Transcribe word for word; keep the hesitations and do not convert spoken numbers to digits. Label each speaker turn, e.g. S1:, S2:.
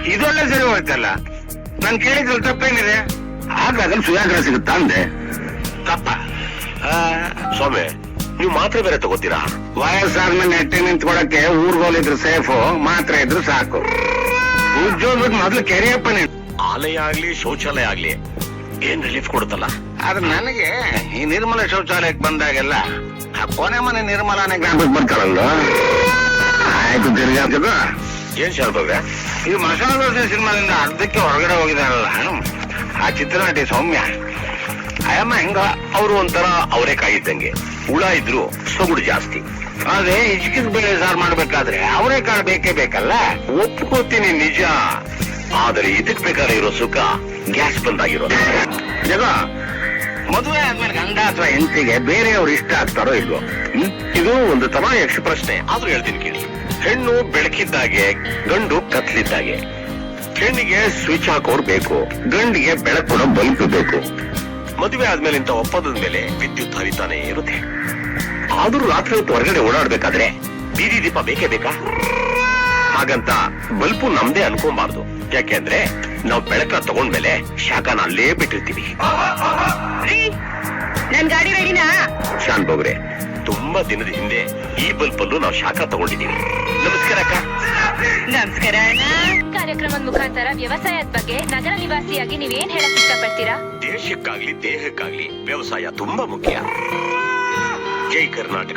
S1: ಇದೊಳ್ಳೆ ಸರಿ ಹೋಯ್ತಲ್ಲ. ನಾನ್ ಕೇಳಿದ್ರಲ್ಲಿ ತಪ್ಪೇನಿದೆ? ಹಾಗಾದ್ರೆ ಸುಧಾಕರ ಸಿಗುತ್ತಾ ಅಂದೆ.
S2: ತಪ್ಪ ಸ್ವಾಮಿ, ನೀವು ಮಾತ್ರೆ ಬೇರೆ ತಗೋತೀರಾ?
S1: ವಯಸ್ಸಾದ್ಮೇಲೆ ನೆಟ್ಟಿ ನಿಂತ್ಕೊಳಕ್ಕೆ ಊರ್ಗೋಲಿದ್ರು ಸೇಫು, ಮಾತ್ರೆ ಇದ್ರು ಸಾಕು. ಉಜ್ಜೋದ್ಬಿಟ್ಟು ಮೊದ್ಲು ಕೆರೆಯಪ್ಪ ನೀನು.
S2: ಆಲಯ ಆಗ್ಲಿ ಶೌಚಾಲಯ ಆಗ್ಲಿ ಏನ್ ರಿಲೀಫ್ ಕೊಡುತ್ತಲ್ಲ.
S1: ಆದ್ರೆ ನನಗೆ ಈ ನಿರ್ಮಲ ಶೌಚಾಲಯಕ್ಕೆ ಬಂದಾಗೆಲ್ಲ ಆ ಕೊನೆ ಮನೆ ನಿರ್ಮಲಾನೇ ಜ್ಞಾಪಕ ಬರ್ತಾರಲ್ಲ. ಆಯ್ತು ತಿರ್ಗಾಡ್ತದ.
S2: ಏನ್ ಶಾರದವ್ರೆ,
S1: ಈ ಮಸಾಲ ದೋಸೆ ಸಿನಿಮಾದಿಂದ ಅರ್ಧಕ್ಕೆ ಹೊರಗಡೆ ಹೋಗಿದಾರಲ್ಲ ಆ ಚಿತ್ರನಟಿ ಸೌಮ್ಯ,
S2: ಅಯ್ಯಮ್ಮ ಹೆಂಗ ಅವರು ಒಂಥರ ಅವರೇಕಾಯಿ ಇದ್ದಂಗೆ, ಹುಳ ಇದ್ರು ಸೊಗುಡು ಜಾಸ್ತಿ.
S1: ಅದೇ ಹಿಚ್ಕಿದ್ ಬೇಳೆ ಸಾರು ಮಾಡ್ಬೇಕಾದ್ರೆ ಅವರೇ ಕಾಳು ಬೇಕೇ ಬೇಕಲ್ಲ.
S2: ಒಪ್ಕೋತೀನಿ ನಿಜ, ಆದರೆ ಇದಕ್ ಬೇಕಾದ್ರೆ ಇರೋ ಸುಖ ಗ್ಯಾಸ್ ಬಂದಾಗಿರೋದು.
S1: ಜಗ ಮದುವೆ ಆದ್ಮೇಲೆ ಗಂಡ ಅಥವಾ ಹೆಂಡತಿಗೆ ಬೇರೆಯವ್ರು ಇಷ್ಟ ಆಗ್ತಾರೋ ಇಲ್ವೋ?
S2: ಹ್ಮ್ ಇದು ಒಂದು ತಮಾಯಕ್ಷ ಪ್ರಶ್ನೆ, ಆದ್ರೂ ಹೇಳ್ತೀನಿ ಕೇಳಿ. ಹೆಣ್ಣು ಬೆಳಕಿದ್ದಾಗೆ, ಗಂಡು ಕತ್ಲಿದ್ದಾಗೆ. ಹೆಣ್ಣಿಗೆ ಸ್ವಿಚ್ ಹಾಕೋರ್ ಬೇಕು,
S1: ಗಂಡಿಗೆ ಬೆಳಕು ಕೊಡೋ ಬಲ್ಪ್ ಬೇಕು.
S2: ಮದುವೆ ಆದ್ಮೇಲೆ ಇಂಥ ಒಪ್ಪಂದದ ಮೇಲೆ ವಿದ್ಯುತ್ ಹರಿತಾನೆ ಇರುತ್ತೆ. ಆದ್ರೂ ರಾತ್ರಿ ಹೊತ್ತು ಹೊರಗಡೆ ಓಡಾಡ್ಬೇಕಾದ್ರೆ ಬೀದಿ ದೀಪ ಬೇಕೇ ಬೇಕಾ? ಹಾಗಂತ ಬಲ್ಪು ನಮ್ದೇ ಅನ್ಕೊಂಬಾರ್ದು. ಯಾಕೆಂದ್ರೆ ನಾವು ಬೆಳಕ ತಗೊಂಡ್ಮೇಲೆ ಶಾಖನ ಅಲ್ಲೇ ಬಿಟ್ಟಿರ್ತೀವಿ.
S3: ನನ್ ಗಾಡಿ ರೆಡಿನಾ?
S2: ಶಾನ್ ಬೋಗ್ರೆ, ತುಂಬಾ ದಿನದ ಹಿಂದೆ ಈ ಬಲ್ಪ್ ಅಲ್ಲೂ ನಾವು ಶಾಖ ತಗೊಂಡಿದ್ದೀವಿ. ನಮಸ್ಕಾರ ಅಕ್ಕ.
S3: ನಮಸ್ಕಾರ.
S4: ಕಾರ್ಯಕ್ರಮದ ಮುಖಾಂತರ ವ್ಯವಸಾಯದ ಬಗ್ಗೆ ನಗರ ನಿವಾಸಿಯಾಗಿ ನೀವೇನ್ ಹೇಳಕ್ ಇಷ್ಟಪಡ್ತೀರಾ?
S2: ದೇಶಕ್ಕಾಗ್ಲಿ ದೇಹಕ್ಕಾಗ್ಲಿ ವ್ಯವಸಾಯ ತುಂಬಾ ಮುಖ್ಯ. ಜೈ ಕರ್ನಾಟಕ.